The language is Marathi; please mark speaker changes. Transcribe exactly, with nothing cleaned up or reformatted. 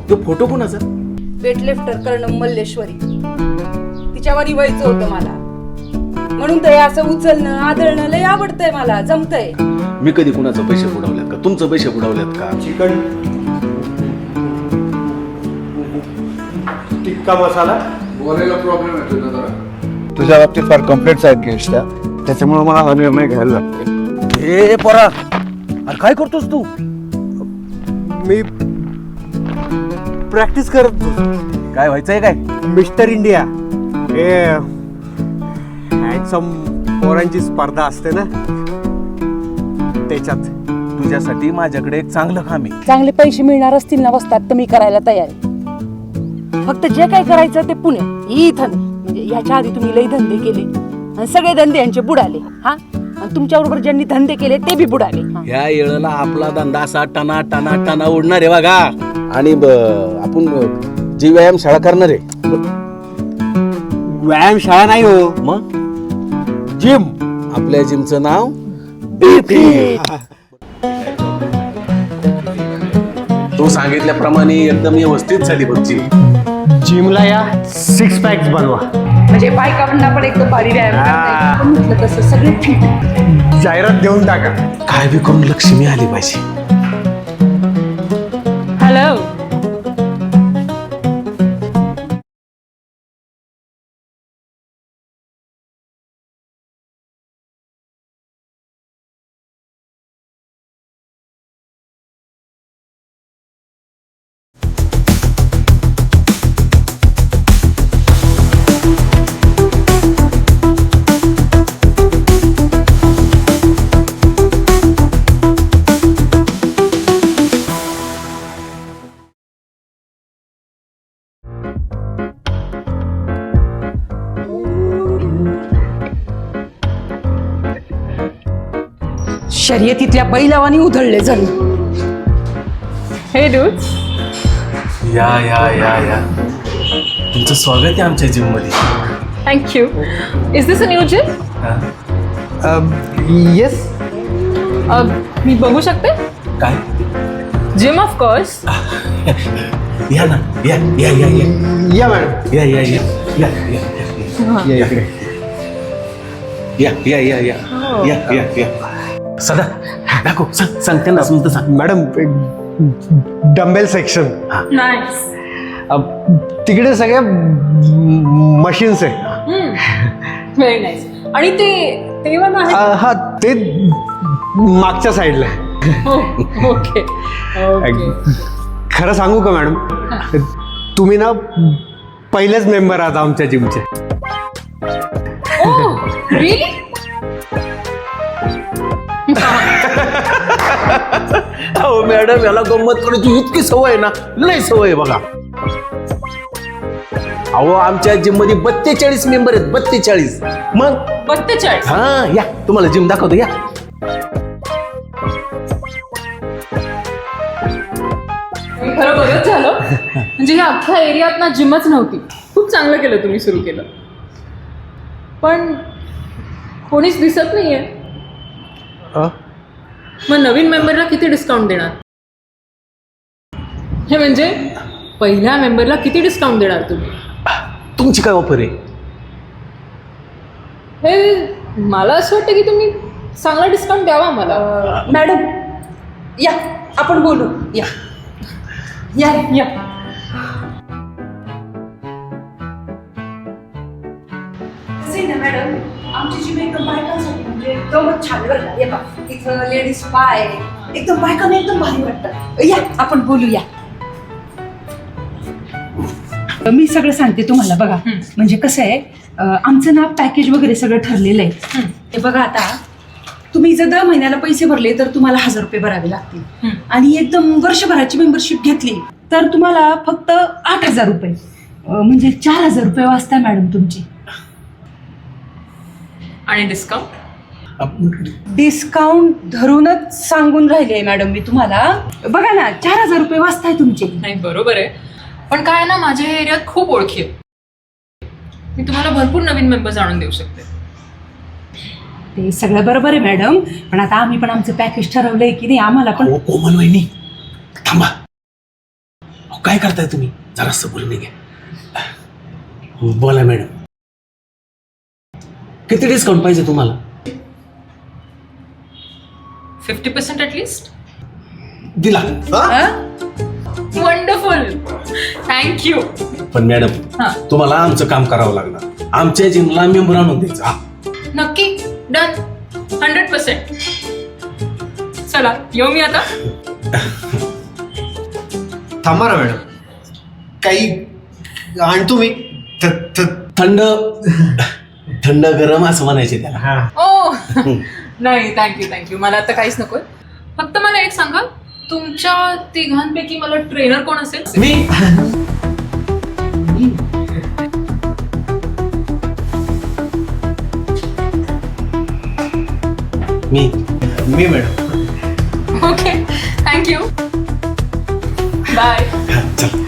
Speaker 1: तो फोटो कोणाचा?
Speaker 2: वेटलिफ्टर करणं मल्लेश्वरी, तिच्यावर व्हायचं होतं मला, म्हणून ते असं उचलणं आदळणं लय आवडतंय मला, जमतंय.
Speaker 1: मी कधी कुणाचं पैसे बुडवल्यात का? तुमचं पैसे बुडवल्यात का?
Speaker 3: चिकन टिक्का मसाला
Speaker 4: बोलायला प्रॉब्लेम येतो ना जरा.
Speaker 3: तुझ्या बाबतीत फार कम्प्लेंट्स आहेत गेस्टच्या, त्याच्यामुळे मला हा निर्णय घ्यायला लागतो.
Speaker 1: ए पोरा, अरे काय करतोस तू?
Speaker 3: मी प्रॅक्टिस करत
Speaker 1: काय व्हायचंय काय?
Speaker 3: मिस्टर इंडिया हे हँडसम पोरांची स्पर्धा असते ना, त्याच्यात.
Speaker 1: तुझ्यासाठी माझ्याकडे एक चांगलं काम आहे.
Speaker 2: चांगले पैसे मिळणार असतील ना वस्तात तर मी करायला तयार आहे. फक्त जे काय करायचं ते पुणे इथं नाही. म्हणजे ह्याच्या आधी तुम्ही लई धंदे केले आणि सगळे धंदे यांचे बुडाले. हा, आणि तुमच्या बरोबर ज्यांनी धंदे केले ते बी बुडाले.
Speaker 1: या येळेला आपला धंदा असा टना टना टना उडणार आहे बघा. आणि आपण जी व्यायामशाळा करणार आहे.
Speaker 3: व्यायामशाळा नाही हो,
Speaker 1: मग
Speaker 3: जिम.
Speaker 1: आपल्या जिमचं नाव तू सांगितल्याप्रमाणे एकदम व्यवस्थित झाली बघ जिम.
Speaker 3: जिमला या सिक्स पॅक्स बनवा.
Speaker 2: म्हणजे बायकांना पण एकदम भारी व्यायाम करता येईल. पण म्हटलं तसं सगळे फिट.
Speaker 3: जाहिरात देऊन टाका.
Speaker 1: काय बी करून लक्ष्मी आली पाहिजे.
Speaker 2: हॅलो, शर्यतीतल्या बैलावानी उधळले जण.
Speaker 5: हे डूड्स,
Speaker 1: या या या या तुमचं स्वागत आहे आमच्या जिम मध्ये.
Speaker 5: Thank you. Is this a new gym?
Speaker 3: Yes.
Speaker 5: मी बघू शकते?
Speaker 1: काय?
Speaker 5: Gym of course.
Speaker 1: या ना, या या या या
Speaker 3: या मॅडम,
Speaker 1: या या या या या
Speaker 3: या इकडे.
Speaker 1: या या या या या या या सदा दाखव, सांग सांग त्यांना समजतं सांग.
Speaker 3: Madam, dumbbell section
Speaker 5: nice.
Speaker 3: तिकडे सगळ्या मशीन्स आहे.
Speaker 5: Very nice. आणि ते ते पण आहे.
Speaker 3: अ, हा, ते मागच्या साईडला आहे.
Speaker 5: Okay okay.
Speaker 3: खरं सांगू का मॅडम, तुम्ही ना पहिलेच मेंबर आहात आमच्या जिमचे.
Speaker 5: Oh really?
Speaker 1: हो मॅडम, याला गंमत करायची इतकी सवय आहे ना, लय सवय आहे बघा. अहो आमच्या जिम मध्ये बत्तेचाळीस मेंबर आहेत, बत्तेचाळीस. मग
Speaker 5: बत्तेचाळीस?
Speaker 1: हा, या तुम्हाला जिम दाखवतो, या.
Speaker 5: मी खरं बरंच झालं. म्हणजे ह्या अख्ख्या एरियात ना जिमच नव्हती. खूप चांगलं केलं तुम्ही सुरू केलं. पण कोणीच दिसत नाहीये.
Speaker 3: अ?
Speaker 5: मग नवीन मेंबरला किती डिस्काउंट देणार? हे म्हणजे पहिल्या मेंबरला किती डिस्काउंट देणार तुम्ही?
Speaker 1: तुमची काय ऑफर आहे?
Speaker 5: हे मला असं वाटतं की तुम्ही चांगला डिस्काउंट द्यावा मला.
Speaker 2: मॅडम या, आपण बोलू. या या
Speaker 5: या.
Speaker 2: ना मॅडम, आमची जिम एकदम बायकांसाठी म्हणजे एकदमच छान बरं का. हे बघा, इथं लेडीज पाय एकदम बायकांना एकदम भारी वाटतं. या आपण बोलूया. मी सगळं सांगते तुम्हाला बघा. म्हणजे कसं आहे, आमचं ना पॅकेज वगैरे सगळं ठरलेलं आहे. हे बघा, आता तुम्ही जर दर महिन्याला पैसे भरले तर तुम्हाला हजार रुपये भरावे लागतील. आणि एकदम वर्षभराची मेंबरशिप घेतली तर तुम्हाला फक्त आठ हजार रुपये म्हणजे चार हजार रुपये वाचता मॅडम तुमची.
Speaker 5: आणि डिस्काउंट?
Speaker 2: डिस्काउंट धरूनच सांगून राहिले मॅडम मी तुम्हाला. बघा ना, चार हजार रुपये वाचताय तुमचे.
Speaker 5: नाही, बरोबर आहे. पण काय ना, माझ्या एरियात खूप ओळखी आहेत. मी तुम्हाला भरपूर नवीन मेंबर्स आणून देऊ शकते.
Speaker 2: ते सगळं बरोबर आहे मॅडम, पण आता आम्ही पण आमचं पॅकेज ठरवलंय की नाही, आम्हाला पण.
Speaker 1: कोमल वहिनी थांबा. काय करताय तुम्ही जरा सबुरीने घ्या. बोला मॅडम, किती डिस्काउंट पाहिजे तुम्हाला?
Speaker 5: Fifty percent at least.
Speaker 1: दिला.
Speaker 5: Wonderful, thank you.
Speaker 1: पण मॅडम
Speaker 5: हा.
Speaker 1: तुम्हाला आमचं काम करावं लागणार. आमच्या जिमला मेंबर आणून द्यायचं. हा.
Speaker 5: नक्की, डन, हंड्रेड पर्सेंट. चला येऊ मी आता.
Speaker 3: थांबा ना मॅडम, काही आणतो मी. थ- थ-
Speaker 1: थंड थंड गरम असं म्हणायचे त्याला.
Speaker 3: हा.
Speaker 5: ओ नाही, थँक्यू थँक्यू, मला आता काहीच नकोय. फक्त मला एक सांगा, तुमच्या तिघांपैकी मला ट्रेनर कोण असेल?
Speaker 1: मी मी
Speaker 3: मी मॅडम.
Speaker 5: Okay, thank you, bye.
Speaker 1: चल